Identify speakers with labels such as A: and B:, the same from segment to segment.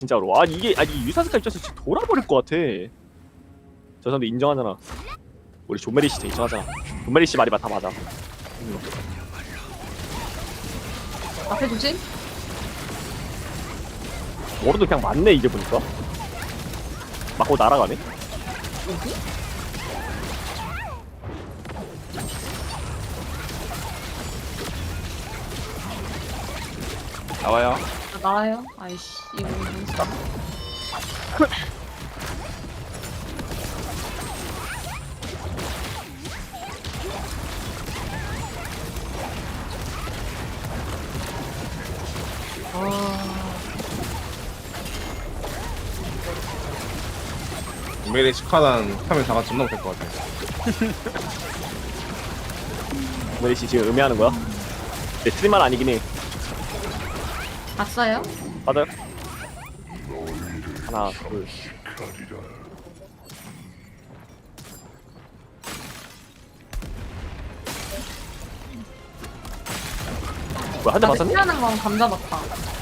A: 진짜로. 아 이게 아니 유사스카 입장에서 진짜 돌아버릴 것 같아. 저 사람도 인정하잖아. 우리 존메리 씨 인정하잖아. 존메리 씨 말이 다 맞아.
B: 앞에 조심.
A: 워로도 그냥 맞네 이제 보니까. 맞고 날아가네.
B: 여기?
C: 나와요.
B: 나와요? 아이씨 이거 뭔지.
D: 메리 시카단 하면 다가 존나 못할 것 같아.
A: 존메리 씨 지금 의미하는 거야? 내 트림만 아니긴 해.
B: 봤어요?
A: 맞아요? 하나 둘. 뭐야 한 대 맞았네?
B: 피하는 건 감자 같다.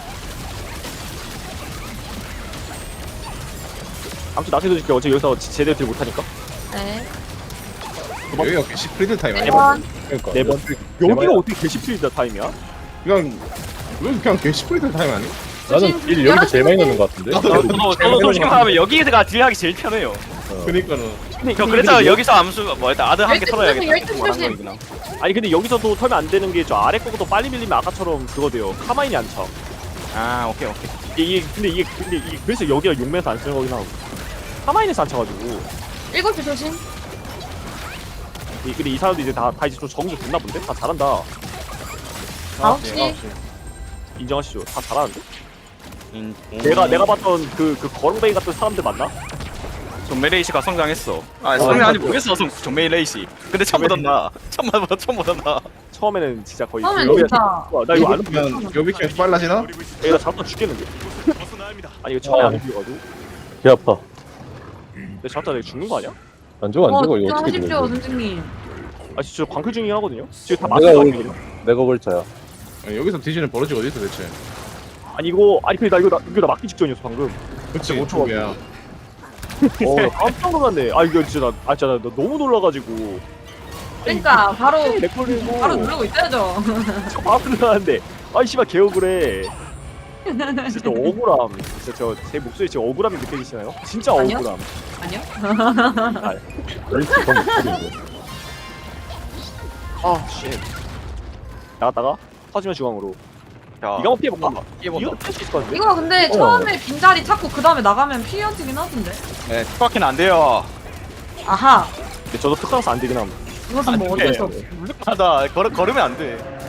A: 아무튼 나중에 줄게. 어차피 여기서 제대로 딜 못하니까.
B: 네.
D: 여기가 개시 프리드 타임 아니야?
B: 1번.
D: 그러니까.
A: 네 번. 여기가 어떻게 개시필드 타임이야?
D: 그냥 여기 그냥 개시 프리드 타임 아니?
E: 나는 딜 여기서 제일 많이 넣는 것 같은데?
C: 저도 솔직히 말하면 여기가 딜하기 제일 편해요.
D: 그니까는
C: 저 그래서 여기서 암수 뭐 일단 아드 한 개 털어야겠다.
B: 12
C: 말한
B: 조심.
C: 거구나.
A: 아니 근데 여기서도 털면 안 되는 게 저 아래 거도 빨리 밀리면 아까처럼 그거 돼요. 카마인이 안 차.
C: 아 오케이.
A: 근데 이게 그래서 여기가 용매에서 안 쓰는 거긴 하고 카마인에서 안 차가지고
B: 7시 조심.
A: 근데 이 사람도 이제 다 이제 좀 적응 좀 됐나 본데? 다 잘한다.
B: 9시.
A: 인정하시죠? 다 잘하는데?
C: 음.
A: 내가 봤던 그 거렁뱅이 같은 사람들 맞나?
C: 존메 레이시가 성장했어. 아 성장하지 모르겠어. 존메 레이시. 근데 처음보다 나. 처음보다 나.
A: 처음에는 진짜 거의
B: 처음엔
A: 여기가
B: 진짜.
A: 와, 나 이거 안
D: 그러면 여비키면 빨라지나?
A: 내가 잡다 죽겠는데? 아니 이거 처음에 안 움직여가지고
E: 개 아파.
A: 내가 잡다 내가 죽는 거 아니야?
E: 안 죽어 안 죽어 이거
B: 진짜
E: 어떻게
B: 하십시오
E: 되는
B: 선생님.
A: 아 진짜 광클 중이긴 하거든요? 지금 다
E: 내가
A: 맞는 거
E: 오늘-
A: 아니거든요?
E: 내가 걸쳐야.
D: 아니, 여기서 뒤지는 버릇이 어디 있어 대체?
A: 아니 이거 아니 근데 나 이거 나 막기 직전이었어 방금.
D: 그치
A: 못
D: 5초야.
A: 깜짝 놀랐네. 아 이거 진짜 나 너무 놀라가지고
B: 그러니까 바로
A: 렉 걸리고
B: 바로 누르고 있어야죠.
A: 저 바로 들어가는데 아이 씨발 개억울해. 진짜 억울함. 진짜 제 목소리 진짜 억울함이 느껴지시나요? 진짜
B: 아니요.
A: 억울함.
B: 아니요?
E: 럴치 건 목소리인데.
A: 아 쉣. 나갔다가 터지면 중앙으로.
C: 야.
A: 이거 한번 피해볼까?
C: 피해본다.
A: 이거 피할 수 있을 것 같은데?
B: 이거 근데 처음에 빈자리 찾고 그 다음에 나가면 피어지긴 하던데.
C: 네, 투바퀴는 안 돼요.
B: 아하.
A: 근데 저도 특강사 안 되긴 함.
B: 이것은 뭐 어쩔 수 없어.
C: 무조건하다. 걸으면 안 돼.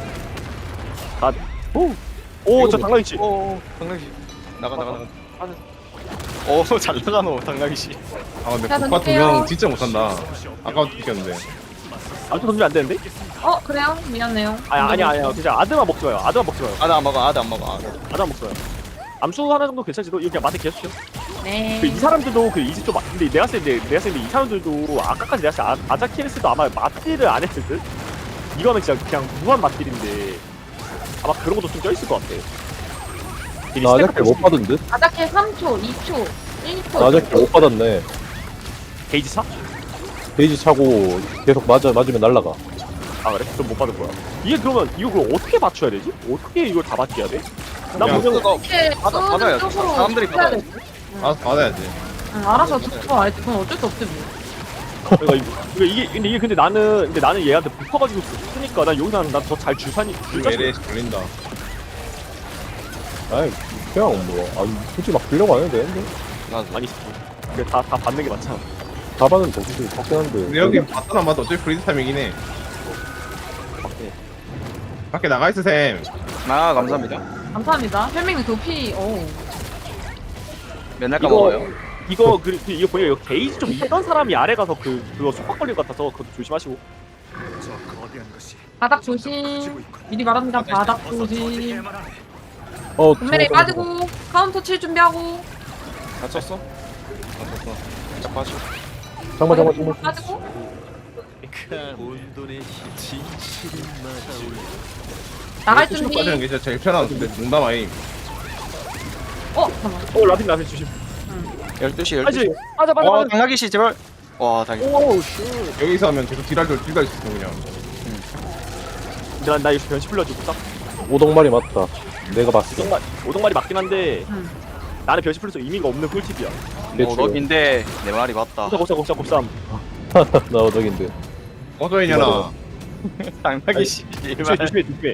A: 오, 저 당나귀치.
C: 당나귀. 나가. 오, 잘 나가노 당나귀 씨.
D: 아 근데
B: 자,
D: 국가
B: 던질게요.
D: 두명 진짜 못한다. 아까부터 이겼는데.
A: 아직도 던지면 안 되는데?
B: 그래요? 미안해요.
A: 아니야. 그냥 아드만 먹지 마요. 아드만 먹지 마요.
C: 아드 안 먹어.
A: 아드만 먹지 마요. 암수 하나 정도 괜찮지도 이거 그냥 맛에 계속 쳐.
B: 네.
A: 이 사람들도 그 이제 좀 근데 내가 봤을 때 이 사람들도 아까까지 내가 봤을 때 아자키레스도 아마 맛딜을 안 했을 듯? 이거는 진짜 그냥 무한 맛딜인데 아마 그런 것도 좀 껴있을 것 같아. 되게
E: 나
A: 스텝
E: 아작킬 못 받은 듯?
B: 아자케 3초, 2초, 1초.
E: 나 아작킬 못 받았네.
A: 게이지 차?
E: 데이지 차고 계속 맞으면 날라가.
A: 아 그래? 그럼 못 받을 거야. 이게 그러면 이거 그럼 어떻게 맞춰야 되지? 어떻게 이걸 다 맞게 해야 돼? 난
D: 그냥
A: 분명
B: 이렇게
C: 받아야지.
B: 쏘는 쪽으로
C: 사람들이
B: 해야
C: 받아야지.
B: 되지.
D: 알아서 받아야지.
B: 응, 알아서 듣고 알지. 그건 어쩔 수 없지 뭐.
A: 그러니까 이게 근데 나는 얘한테 붙어가지고 쓰니까 난 여기서 난 더 잘 줄사니
D: 메리 걸린다.
E: 아이 그냥 뭐 아니 굳이 막 빌려고 안 해도 되는데.
A: 아니 그래 다 받는 게 맞잖아.
E: 다반은 더 굳이 받긴 한데.
D: 근데 여기 봤던 안 봐도 어차피 프리드 타임이긴 해. 밖에 나가 있어 쌤.
C: 아 감사합니다.
B: 감사합니다. 혈맹이 도피. 오.
C: 맨날 까먹어요.
A: 이거 이거 보니까 이거 게이지 좀 있던 사람이 아래 가서 그거 속박 걸릴 것 같아서 그것도 조심하시고.
B: 바닥 조심. 미리 말합니다. 바닥 조심. 분명히
E: 잠깐만.
B: 빠지고 카운터 칠 준비하고.
C: 다쳤어? 살짝 빠져.
E: 잠깐만.
B: 빠지고. 나갈
D: 수시로
B: 준비.
D: 빠지는 게 진짜 제일 편한 근데 농담 아임.
B: 잠깐만.
A: 라핀 조심.
C: 12시
A: 빠지
C: 12시
A: 빠져
C: 와 당나귀씨 제발 와 당나귀
A: 오우 슈.
D: 여기서 하면 계속 딜할 수 있어 그냥.
A: 나 여기서 변시 풀려주고 딱
E: 오동말이 맞다. 내가 봤어.
A: 오동말이 맞긴 한데
B: 응.
A: 나는 변시 풀려서 의미가 없는 꿀팁이야.
C: 오덕인데 내 말이 맞다
A: 곱삼.
E: 나 오덕인데.
D: 꺼져 이년아.
C: 당나귀씨
A: 조심해.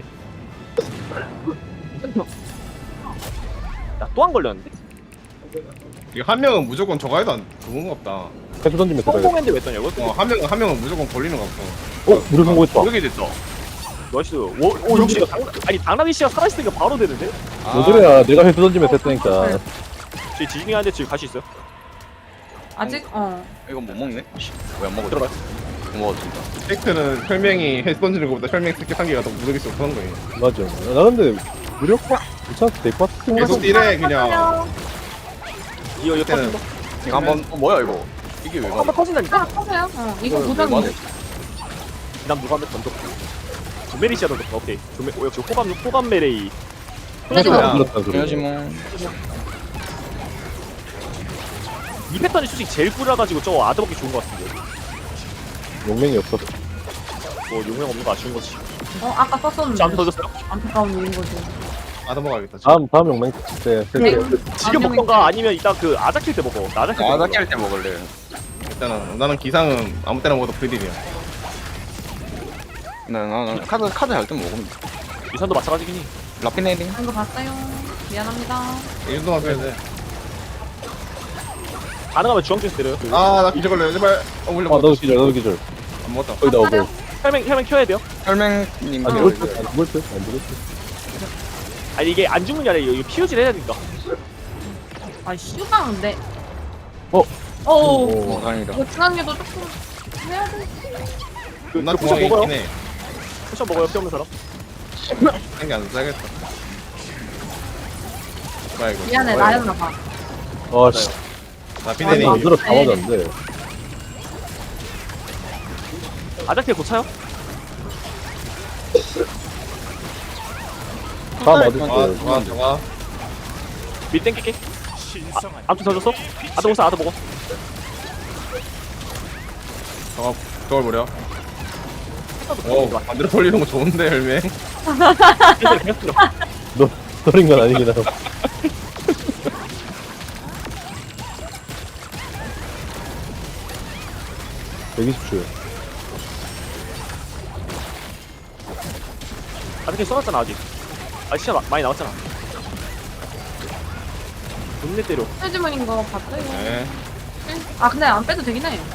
A: 나 또 안 걸렸는데?
D: 이거 한 명은 무조건 저거 해도 안 좋은 거 없다.
E: 해수 던지면 들어가야
A: 성공했는데 왜 떠냐고?
D: 한 명은 무조건 걸리는 거 없어.
E: 무료 성공했다.
A: 모르게 됐다. 나이스. 오 역시 이거 당나귀 씨가 살아있으니까 바로 되는데?
E: 뭔 소리야. 내가 해수 던지면 됐다니까.
A: 저희 지진이 하는데 지금 갈 수 있어요?
B: 아직
C: 이거 못 먹네? 왜 안 먹어?
A: 들어가.
C: 못 먹어 진짜
D: 팩트는 혈맹이 헬스 던지는 것보다 혈맹 스킬 상기가 더 무더기 수 없는 거예요.
E: 맞아. 나 근데 무력 괜찮아. 데이터
D: 계속 딜해 그냥.
A: 이거
D: 그때는
A: 터진다.
C: 이거 한번 뭐야 이거 이게 왜
A: 한번
C: 가네
A: 터진다니까?
B: 하나 터세요. 이거
C: 왜
B: 고정이.
C: 맞아?
A: 난 누가 한번 던졌고. 조메리 씨가 던졌다. 오케이. 역시 호감 메레이.
B: 그래도
D: 야.
E: 물었다 소리.
C: 그래야지 뭐
A: 이 패턴이 솔직히 제일 꿀라가지고 저거 아드 먹기 좋은 것 같은데.
E: 용맹이 없어.
A: 뭐 용량 없는 거 아쉬운 거지.
B: 아까 썼었는데.
A: 안 던졌어요?
B: 안타까운 일인 거지.
D: 아넘어가겠다.
E: 다음 용맹 때.
B: 네.
A: 지금 먹던가 아니면 이따 그 아자 킬때 먹어. 나 아자 킬때
C: 아나
A: 먹어.
C: 깰때 먹을래
D: 일단은 나는 기상은 아무 때나 먹어도 프리딜이야.
C: 나 카드 할 때 먹으면 돼.
A: 유산도 마찬가지긴 해.
C: 라피네링
B: 이거 봤어요. 미안합니다.
D: 이 정도만 빼야 돼.
A: 가능하면 주황주에서 때려요.
D: 아나 기절 걸려 제발. 물려.
E: 나도 기절.
D: 안 먹었다.
E: 거의 다 오고.
A: 혈맹 켜야 돼요.
C: 혈맹님
E: 안
B: 어.
E: 죽을 듯. 안 죽을 듯. 안 죽을 듯.
A: 아니 이게 안 죽는 게 아니라 이거 피우질 해야 되니까.
B: 아 슈가인데.
E: 어?
B: 오.
C: 다행이다
B: 이거 중앙에도 조금 해야 돼.
D: 나
A: 그 포션
D: 중앙에
A: 먹어요?
D: 있긴 해.
A: 포션 먹어요. 피 없는 사람.
D: 생기 안 써야겠다. 뭐야 이거.
B: 미안해 나였나 봐.
E: 아 씨.
D: 나 피네니.
E: 안 들어 다 맞았는데.
A: 아자 킬 고차요?
E: 다 맞을
D: 좋아
E: 때.
D: 좋아.
A: 밀 땡길게. 아무튼 더 줬어? 아드 먹어 아드 먹어.
D: 저걸 버려. 오 반대로 돌리는 거 좋은데 혈맹.
A: 계속 들어.
E: 너 소린 건 아니긴 하고. 여기 십시오.
A: 아드 킬 써놨잖아 아직. 아 시간 많이 남았잖아. 존내 때려.
B: 해주머니인 거 봤어요.
D: 네.
B: 아 근데 안 빼도 되긴 해.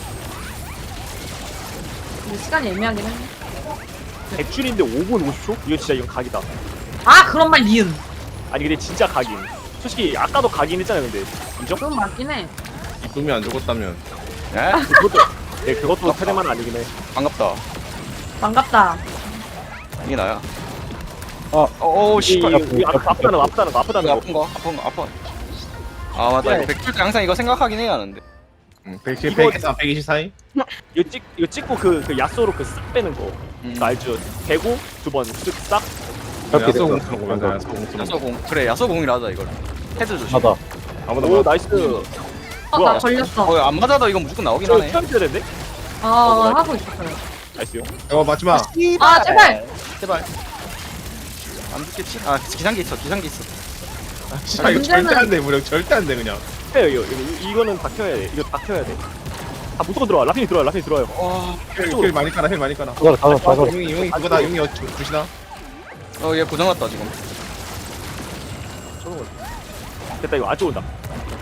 B: 근데 시간이 애매하긴 해.
A: 100줄인데 5분 50초? 이거 진짜 이건 각이다.
B: 아 그런 말 니은.
A: 아니 근데 진짜 각임. 솔직히 아까도 각인 했잖아요 근데. 인정?
B: 그건 맞긴 해.
D: 이쁨이 안 죽었다면.
C: 에?
A: 그것도 테레만 아니긴 해.
C: 반갑다
B: 반갑다.
C: 이게 나야
E: 아.
C: 어어 씨발
A: 아프다는 거.
C: 아픈 거 아파 아 맞다 이거 100줄 때 항상 이거 생각하긴 해야 하는데
D: 110,
A: 이거-
D: 124, 120 사이?
A: 이거 찍고 그 야쏘로 그 싹 빼는 거. 그거 알죠? 대고 두 번 쓱 싹.
E: 그렇게
D: 야소
E: 됐다.
D: 공수는 거면 야소 공수는 거.
C: 야소공 그래 야소공이라 하자 이걸 헤드 조심
E: 하다.
D: 아무도
A: 오
D: 봐.
A: 나이스.
B: 나
A: 뭐야?
B: 걸렸어.
C: 안 맞아도 이건 무조건 나오긴
A: 저
C: 하네
A: 튀어야 되는데?
B: 하고 있었어요.
A: 나이스요.
D: 이거 맞지 마.
B: 아 제발.
C: 제발 안 죽겠지? 아 기상기 있어
D: 아, 이거
B: 문제는-
D: 절대 안 돼, 무력 절대 안 돼, 그냥.
A: 해요 이거는 다 켜야 돼. 이거 다 켜야 돼. 아 무조건 들어와. 라핀이 들어와요.
C: 와
D: 힐 많이 깔아, 힐 많이 깔아.
E: 다
D: 용이 그거다, 용이 주시나?
C: 얘 고장났다 지금
A: 저런 거. 됐다 이거 안쪽 온다.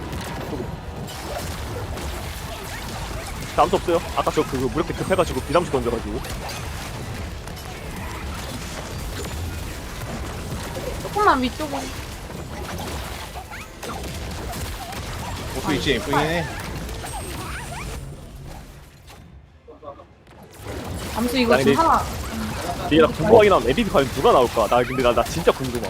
A: 아무도 없어요. 아까 저 그거 무력대 급해가지고 비담수 던져가지고.
B: 조금만 위쪽으로.
D: 보스 있지, 예쁘네.
B: 암수 이거
A: 아니,
B: 지금
A: 근데-
B: 하나.
A: 얘가 궁금하긴 하면 MVP 과연 누가 나올까? 나 진짜 궁금해.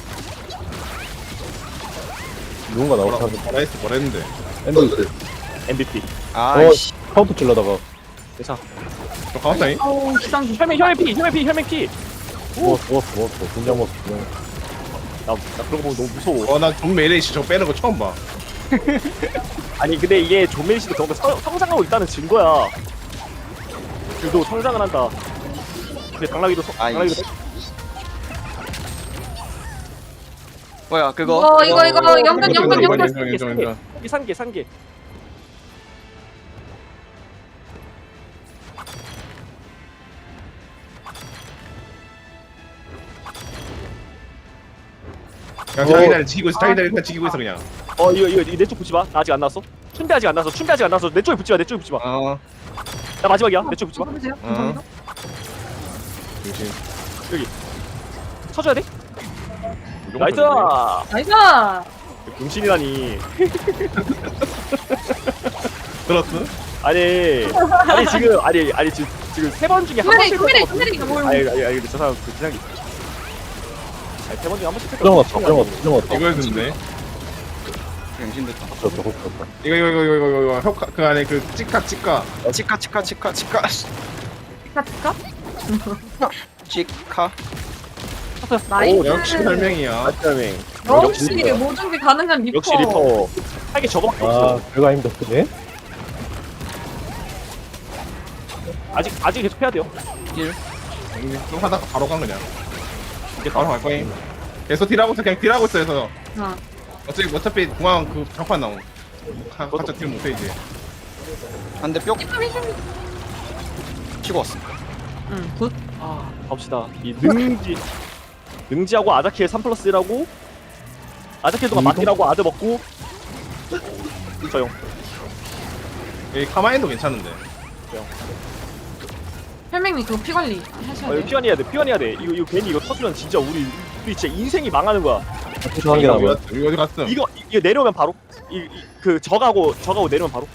E: 누군가 나오고
D: 뭐라 했어, 뭐라 했는데.
E: 엔드
A: MVP.
C: 아이씨
E: 카운터 찔러다가
A: 괜찮아.
D: 저 카운터잉?
B: 어우 기상.
A: 혈맹 피.
E: 먹었어. 진짜 먹었어.
A: 나 그런 거 보면 너무 무서워.
D: 나존 메레이시 저거 빼는 거 처음 봐.
A: 아니 근데 이게 조메이시도 그런 거 성장하고 있다는 증거야. 그도 성장을 한다. 근데 당나귀도 당나귀도
C: 뭐야 그거?
B: 이거 연근
D: 인정.
A: 산개.
D: 그냥 자기들 지키고 있어. 자기들 일단 지키고 있어 그냥.
A: 이거 내 쪽 붙지 마. 나 아직 안 나왔어. 춘대 아직 안 나왔어. 내 쪽에 붙지 마. 내 쪽에 붙지 마. 나 마지막이야. 내 쪽에 붙지 마.
B: 해보세요. 감사합니다.
D: 조심.
A: 쳐줘야 돼. 나이스.
B: 나이스.
A: 병신이라니.
D: 들었어?
A: 아니 지금 세 번 중에 한 번씩
B: 쿠메리 뭘?
A: 아니 근데 저 사람 그 기상이 세 번 중에 한 번씩
E: 부정었어.
D: 이걸 듣네.
C: 병신 됐다.
E: 그렇다.
D: 이거 효과 그 안에 그 치카.
C: 치카. 치카.
B: 나이스.
D: 역시 설명이야.
A: 맞다네.
B: 역시 모든 게 가능한 리퍼.
A: 역시 리퍼. 하게 저거밖에 없어.
E: 별거 아닙니다. 그네?
A: 아직 계속 해야 돼요.
D: 좀 하다가 바로 간 그냥.
A: 이제
D: 바로 갈 거임. 계속 딜하고 있어. 그냥 딜하고 있어. 그래서
B: 어.
D: 어차피 공항 그 장판 나옴. 가짜 딜 못해 이제.
C: 한대 뿅 치고 왔어.
B: 응, 굿.
A: 갑시다. 이 능지하고 아자키의 3+1하고 아자키 동안 맞기라고 아드 먹고 저용.
D: 이 카마인도 괜찮은데.
B: 혈맹님 그거 피 관리 하셔야
A: 이거
B: 돼요.
A: 피환해야 돼. 피환해야 돼. 이거 괜히 이거 터지면 진짜 우리 진짜 인생이 망하는 거야.
E: 투수 한개 남아.
D: 이거 어디 갔음?
A: 이거 내려오면 바로 그 저가고 내려오면 바로.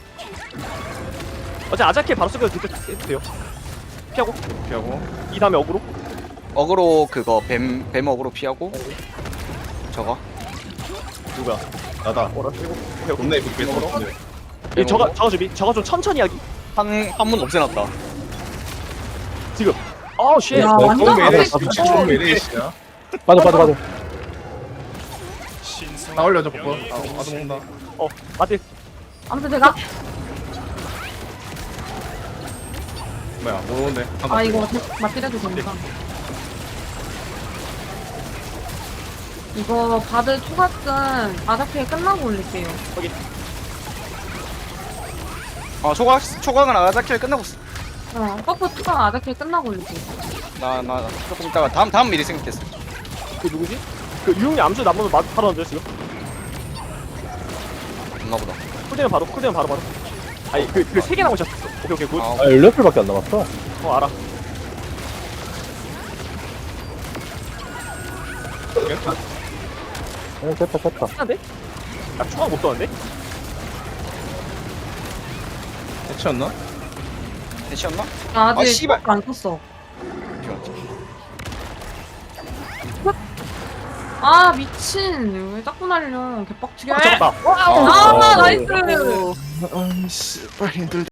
A: 어차피 아자키 바로 쓰면 그때 해도 돼요. 피하고
D: 피하고.
A: 이 다음에 어그로.
C: 어그로 그거 뱀 어그로 피하고 저거
A: 누가?
D: 나다.
A: 오케이.
D: 존나 이쁘게 뺐어.
A: 이 저가 준비. 저가 좀 천천히 하기.
C: 한문 없애놨다.
A: 지금. 쉣.
B: 야,
D: 존
B: 완전
D: 메레이시.
B: 앞에
D: 미친 존 메레이시야.
E: 빠져.
D: 다 올려줘 버거. 나도 먹는다.
A: 맞대.
B: 아무튼 제가
D: 뭐야? 모르는데.
B: 이거 맞디려도 됩니다. 이거 바드 초각은 아자피에 끝나고 올릴게요.
C: 초강은 아자키를 끝나고 있어.
B: 버프 초각 아자피에 끝나고 올릴게요.
C: 나 조금 있다가 다음 미리 생각했어.
A: 그 누구지? 그 유용이 암수 남으면 바로 던져 지금.
C: 없나 보다.
A: 쿨되면 바로. 아니 그 세 개 남으셨어. 오케이 굿.
C: 아,
E: 18풀밖에 안 남았어.
A: 알아.
E: 됐다.
A: 한데? 나 추가 못 썼는데?
D: 해치웠나?
C: 대시였나?
B: 아직
C: 씨발.
B: 버프 안 썼어. 미친. 왜 자꾸 날려. 개빡치게.
A: 잡았다.
B: 나이스.
C: 아이씨 빨리 힘들다.